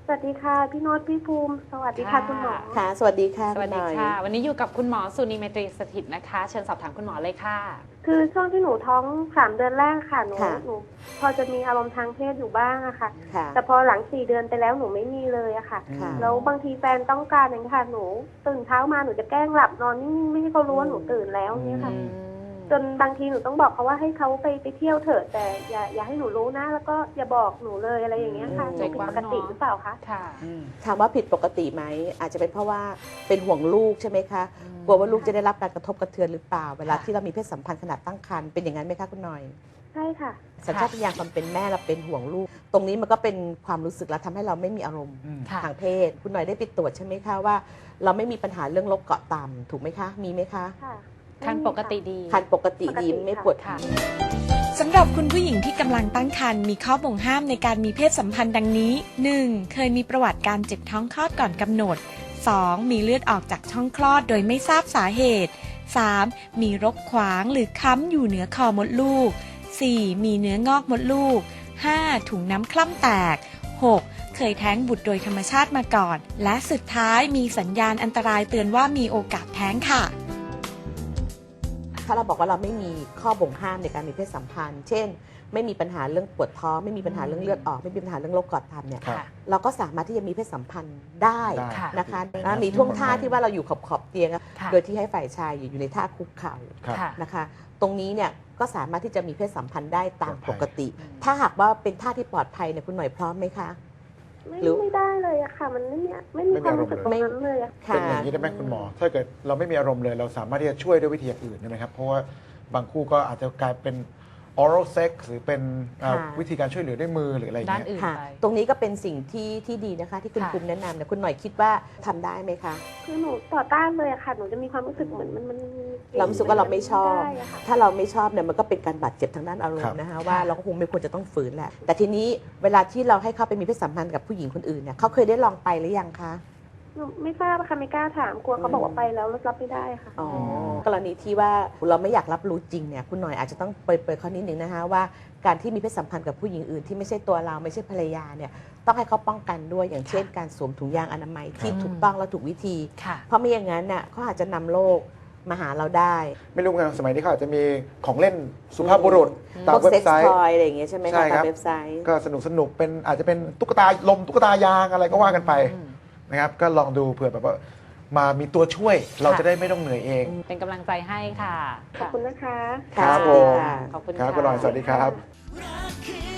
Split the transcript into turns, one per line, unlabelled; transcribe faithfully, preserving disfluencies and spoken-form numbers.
สวัสดีค่ะพี่โน้ตพี่ภูมิสวัสดีค่ะคุณหมอ
ค่ะสวัสดีค่ะ
สวัสดีค่ะวันนี้อยู่กับคุณหมอสุนีเมตรีสถิตนะคะเชิญสอบถามคุณหมอเลยค่ะ
คือช่วงที่หนูท้องสามเดือนแรกค่ะหนูหนูพอจะมีอารมณ์ทางเพศอยู่บ้างอะค่ะแต่พอหลังสี่เดือนไปแล้วหนูไม่มีเลยอะค่ะแล้วบางทีแฟนต้องการอย่างนี้ค่ะหนูตื่นเช้ามาหนูจะแกล้งหลับนอนนิ่งๆไม่ให้เขารู้ว่าหนูตื่นแล้วเนี่ยค่ะจนบางทีหนูต้องบอกเขาว่าให้เขาไปไปเที่ยวเถอะแต่อย่าอย่าให้หนูรู้นะแล้วก็อย่าบอกหนูเลยอะไรอย่างเงี้ยค่ะผิดปกติหรือเปล่าคะ
ค่ะ
ถามว่าผิดปกติไหมอาจจะเป็นเพราะว่าเป็นห่วงลูกใช่ไหมคะกลัวว่าลูกจะได้รับการกระทบกระเทือนหรือเปล่าเวลาที่เรามีเพศสัมพันธ์ขณะตั้งครรภ์เป็นอย่างนั้นไหมคะคุณหน่อย
ใช่ค่ะ
สัญชาตญาณความเป็นแม่เราเป็นห่วงลูกตรงนี้มันก็เป็นความรู้สึกแล้วทำให้เราไม่มีอารมณ์ทางเพศคุณหน่อยได้ไปตรวจใช่ไหมคะว่าเราไม่มีปัญหาเรื่องโรคเกาะต่ำถูกไหมคะมีไหมคะ
คันปกติดี
คันปกติดีไม่ปวดค่ะ
สำหรับคุณผู้หญิงที่กำลังตั้งครรภ์มีข้อบ่งห้ามในการมีเพศสัมพันธ์ดังนี้ หนึ่ง เคยมีประวัติการเจ็บท้องคลอดก่อนกำหนด สอง มีเลือดออกจากช่องคลอดโดยไม่ทราบสาเหตุ สาม มีรกขวางหรือค้ำอยู่เหนือคอมดลูก สี่ มีเนื้องอกมดลูก ห้า ถุงน้ำคล่ำแตก หก เคยแท้งบุตรโดยธรรมชาติมาก่อน และสุดท้ายมีสัญญาณอันตรายเตือนว่ามีโอกาสแท้งค่ะ
ถ้าเราบอกว่าเราไม่มีข้อบ่งห้ามในการมีเพศสัมพันธ์เช่นไม่มีปัญหาเรื่องปวดท้องไม่มีปัญหาเรื่องเลือดออกไม่มีปัญหาเรื่องโรคกอดต่ำเนี่ยเราก็สามารถที่จะมีเพศสัมพันธ์ได้นะคะมีท่วงท่าที่ว่าเราอยู่ขอบขอบเตียงโดยที่ให้ฝ่ายชายอยู่ในท่าคุกเข่านะคะตรงนี้เนี่ยก็สามารถที่จะมีเพศสัมพันธ์ได้ตามปกติถ้าหากว่าเป็นท่าที่ปลอดภัยเนี่ยคุณหน่อยพร้อมไหมคะ
ไม่ไม่ได้เลยอะค่ะมันไม่มีไม่มีความรู้สึกตรงนั้นเลยอะ
เป็นอย่างนี้ได้ไหมคุณหมอถ้าเกิดเราไม่มีอารมณ์เลยเราสามารถที่จะช่วยด้วยวิธีอื่นได้ไหมครับเพราะว่าบางคู่ก็อาจจะกลายเป็น oral sex หรือเป็นวิธีการช่วยเหลือด้วยมือหรืออะไรอย่างเงี้ย
ตรงนี้ก็เป็นสิ่งที่ที่ดีนะคะที่คุณภูมิแนะนำเนี่ยคุณหน่อยคิดว่าทำได้ไหมคะ
คือหนูต่อต้านเลยอะค่ะหนูจะมีความรู้สึกเหมือนมันมัน
เรารู้สึกว่าเราไม่ชอบถ้าเราไม่ชอบเนี่ยมันก็เป็นการบาดเจ็บทางด้านอารมณ์นะคะว่าเราก็คงไม่ควรจะต้องฝืนแหละแต่ทีนี้เวลาที่เราให้เขาไปมีเพศสัมพันธ์กับผู้หญิงคนอื่นเนี่ยเขาเคยได้ลองไปหรือยังคะ
ไม่ทราบค่ะไม่กล้าถามกลัวเขาบอกว่าไปแล้วรับไม่ได้ค่ะ
อ๋อกรณีที่ว่าเราไม่อยากรับรู้จริงเนี่ยคุณหน่อยอาจจะต้องเปิดๆข้อนิดนึงนะคะว่าการที่มีเพศสัมพันธ์กับผู้หญิงอื่นที่ไม่ใช่ตัวเราไม่ใช่ภรรยาเนี่ยต้องให้เขาป้องกันด้วยอย่างเช่นการสวมถุงยางอนามัยที่ถูกต้องและถูกวิธีเพราะไม่อย่างนั้นน่ะเขาอาจจะนำโรคมาหาเราได้
ไม่รู้กันสมัยนี้เขาอาจจะมีของเล่นสุภาพบุรุษตามเว็บไซต์
อะไรอย่างเงี้ยใช่ไหมคะตามเว็บไซต์
ก็สนุกสนุกเป็นอาจจะเป็นตุ๊กตาลมตุ๊กตายางอะไรก็ว่ากันไปนะครับก็ลองดูเผื่อแบบว่ามามีตัวช่วยเราจะได้ไม่ต้องเหนื่อยเอง
เป็นกำลังใจให้ค่ะ
ขอบคุณนะคะ
ครับผม
ขอบคุณ
ครับคุณหน่อยสวัสดีครับ